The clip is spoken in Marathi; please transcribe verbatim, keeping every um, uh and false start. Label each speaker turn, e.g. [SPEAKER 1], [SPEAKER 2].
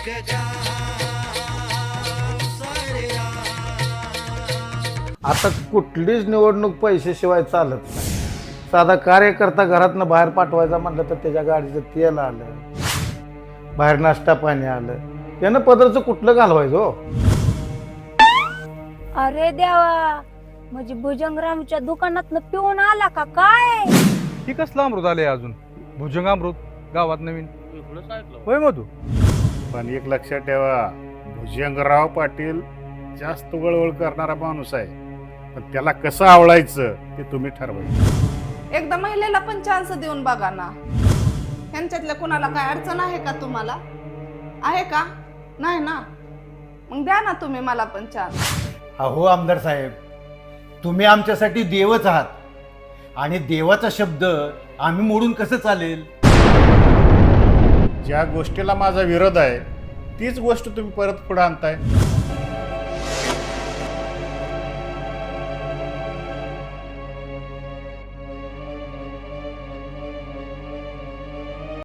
[SPEAKER 1] आता कुठलीच निवडणूक पैशाशिवाय चालत नाही. साधा कार्यकर्ता घरातनं बाहेर पाठवायचा म्हटलं तर त्याच्या गाडीचं तेल आलं, बाहेर नाश्ता पाणी आलं, त्यानं पदरचं कुठलं घालवायचं हो.
[SPEAKER 2] अरे देवा, म्हणजे भुजंगरामच्या दुकानातनं पिऊन आला का काय?
[SPEAKER 3] ही कसलं अमृत आलंय अजून? भुजंग अमृत गावात नवीन होय मधू.
[SPEAKER 4] पण एक लक्षात ठेवा, भुजंगराव पाटील जास्त वळवळ करणारा माणूस आहे, पण त्याला कसं आवडायचं ते तुम्ही ठरवायचं.
[SPEAKER 5] एकदा महिलेला पण चान्स देऊन बघा ना. ह्यांच्यातल्या कुणाला काय अडचण आहे का तुम्हाला? आहे का? नाही ना, मग द्या ना तुम्ही मला पण चान्स.
[SPEAKER 6] अहो आमदार साहेब, तुम्ही आमच्यासाठी देवच आहात आणि देवाचा शब्द आम्ही मोडून कसं चालेल?
[SPEAKER 4] ज्या गोष्टीला माझा विरोध आहे तीच गोष्ट तुम्ही परत पुढे आणताय.